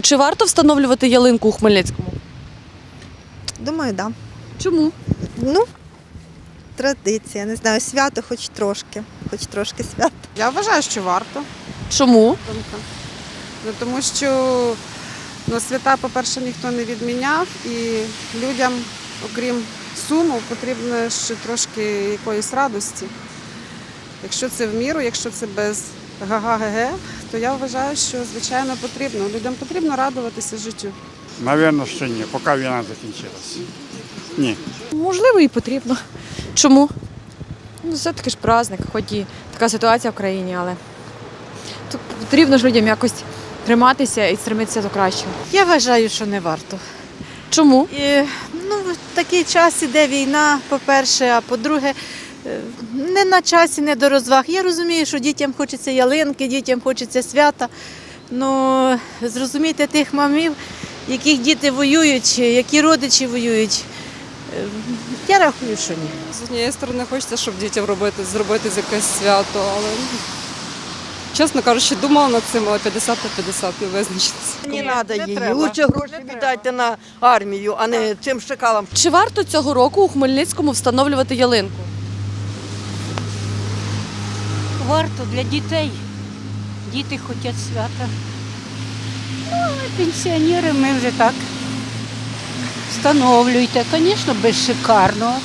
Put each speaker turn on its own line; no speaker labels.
Чи варто встановлювати ялинку у Хмельницькому?
Думаю, так. Да.
Чому?
Ну, традиція, не знаю, свято хоч трошки свято.
Я вважаю, що варто.
Чому?
Думка. Тому що свята, по-перше, ніхто не відміняв, і людям, окрім суму, потрібно ще трошки якоїсь радості. Якщо це в міру, якщо це без га-га-ге-ге, то я вважаю, що, звичайно, потрібно. Людям потрібно радуватися життю.
Навірно, що ні, поки війна закінчилась. Ні.
Можливо, і потрібно.
Чому?
Ну, все-таки ж праздник, хоч і така ситуація в країні, але тут потрібно ж людям якось триматися і стремитися до кращого.
Я вважаю, що не варто.
Чому?
В такий час іде війна, по-перше, а по-друге, не на часі, не до розваг. Я розумію, що дітям хочеться ялинки, дітям хочеться свята. Ну, зрозумійте тих мамів, яких діти воюють, які родичі воюють. Я рахую, що ні.
З однієї сторони, хочеться, щоб дітям зробити якесь свято, але, чесно кажучи, думала над цим, але 50 на 50 не визначитися.
Не треба її. Лучше гроші віддайте на армію, а не цим шакалам.
Чи варто цього року у Хмельницькому встановлювати ялинку?
Варто для дітей. Діти хочуть свята. Ну, а пенсіонери ми вже так встановлюйте. Звісно, без шикарного.